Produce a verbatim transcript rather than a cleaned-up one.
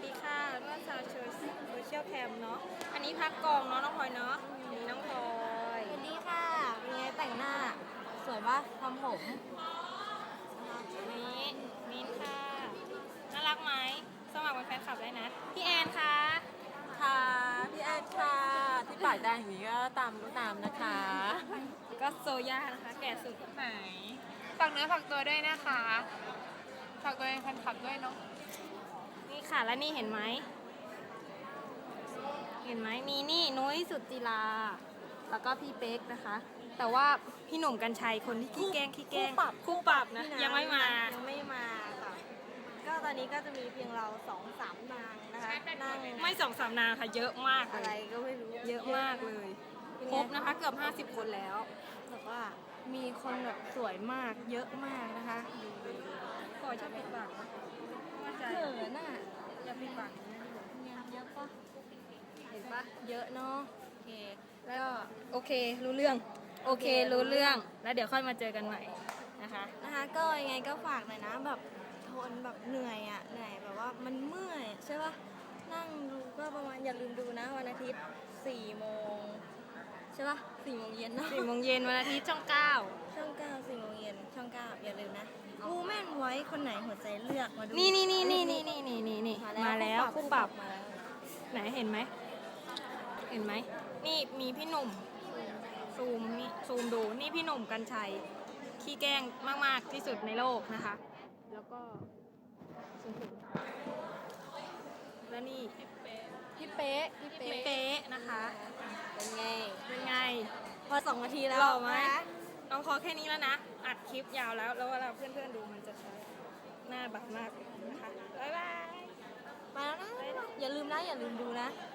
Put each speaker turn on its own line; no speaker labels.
สดีค่ะเมื่อชาวโซเชียลแคมเนาะอันนี้พักกองเนาะน้องพลอยเนาะนี่น้องพลอย
สวัสดีค่ะเป็นไงแต่งหน้าสวยปะทำผม
นี่มินค่ะน่ารักไหมสมัครเป็นแฟนคลับได้นะพี่แอนค่ะ
ค่ะพี่แอนค่ะที่ปากแดงอย่างนี้ก็ตามก็ตามนะคะ
ก็โซย่านะคะแก่สุด
ไหนฝากเนื้อฝากตัวด้วยนะคะฝากตัวเองแฟนคลับด้วยเนาะ
นี่ค่ะแล้วนี่เห็นไหมเห็นไหมมีนี่นุ้ยสุจิราแล้วก็พี่เป๊กนะคะ แต่ว่าพี่หนุ่มกัญชัยคนที่ขี้แกล้งขี้แกล้ง
คู่ปรับ
คู่ปรับนะยังไม่มา
ยังไม่มาค่ะก็ตอนนี้ก็จะมีเพียงเราสองสามนางนะคะนั่ง
ไม่สองสามนางค่ะเยอะมาก
อะไร
เลย
ก็ไม่รู้
เยอะมากเลยครบนะคะเกือบห้าสิบคนแล้ว
แบบว่ามีคนแบบสวยมากเยอะมากนะคะ
ขอชอบปิดปากว่าใจ
เขินอ่ะ
อย่าปิดปาก
เนี่ยเยอะปะเห็นปะเยอะเนาะโอเคแล้วก็
โอเครู้เรื่องโอเครู้เรื่องแล้วเดี๋ยวค่อยมาเจอกันใหม่นะคะ
นะคะก็ยังไงก็ฝากหน่อยนะแบบทนแบบเหนื่อยอ่ะเหนื่อยแบบว่ามันเมื่อยใช่ปะนั่งดูก็ประมาณอย่าลืมดูนะวันอาทิตย์สี่โมงใช่ปะสี่โมงเย็นเนาะ
สี่โมงเย็นวันอาทิตย์ช่องเก้า
ช่องเก้าสี่โมงเย็นช่องเก้าอย่าลืมนะกูแม่นไว้คนไหนหัวใจเลือกมาดู
นี่นี่นี่นี่นี่นี่นี่นี่นี่มาแล้วคู่ปรับ
มาแล้ว
ไหนเห็นไหมเห็นไหมนี่มีพี่หนุ่มซูมนี่ซูมดูนี่พี่หนุ่มกัญชัยขี้แกล้งมากๆที่สุดในโลกนะคะแล้วก็ซูมถึงแล้วนี่
พี่เป๊ะพี่
พี่
เป๊ะ
เป๊ะนะคะ
เป็นไง
เป็นไง
พอสองนาทีแล้ว
หล่อไหม
นะ
น้องขอแค่นี้แล้วนะ อัดคลิปยาวแล้ว แล้วเวลาเพื่อนๆดูมันจะใช้หน้าบักมากนะคะ บ๊ายบาย
มาแล้วนะอย่าลืมนะอย่าลืมดูนะ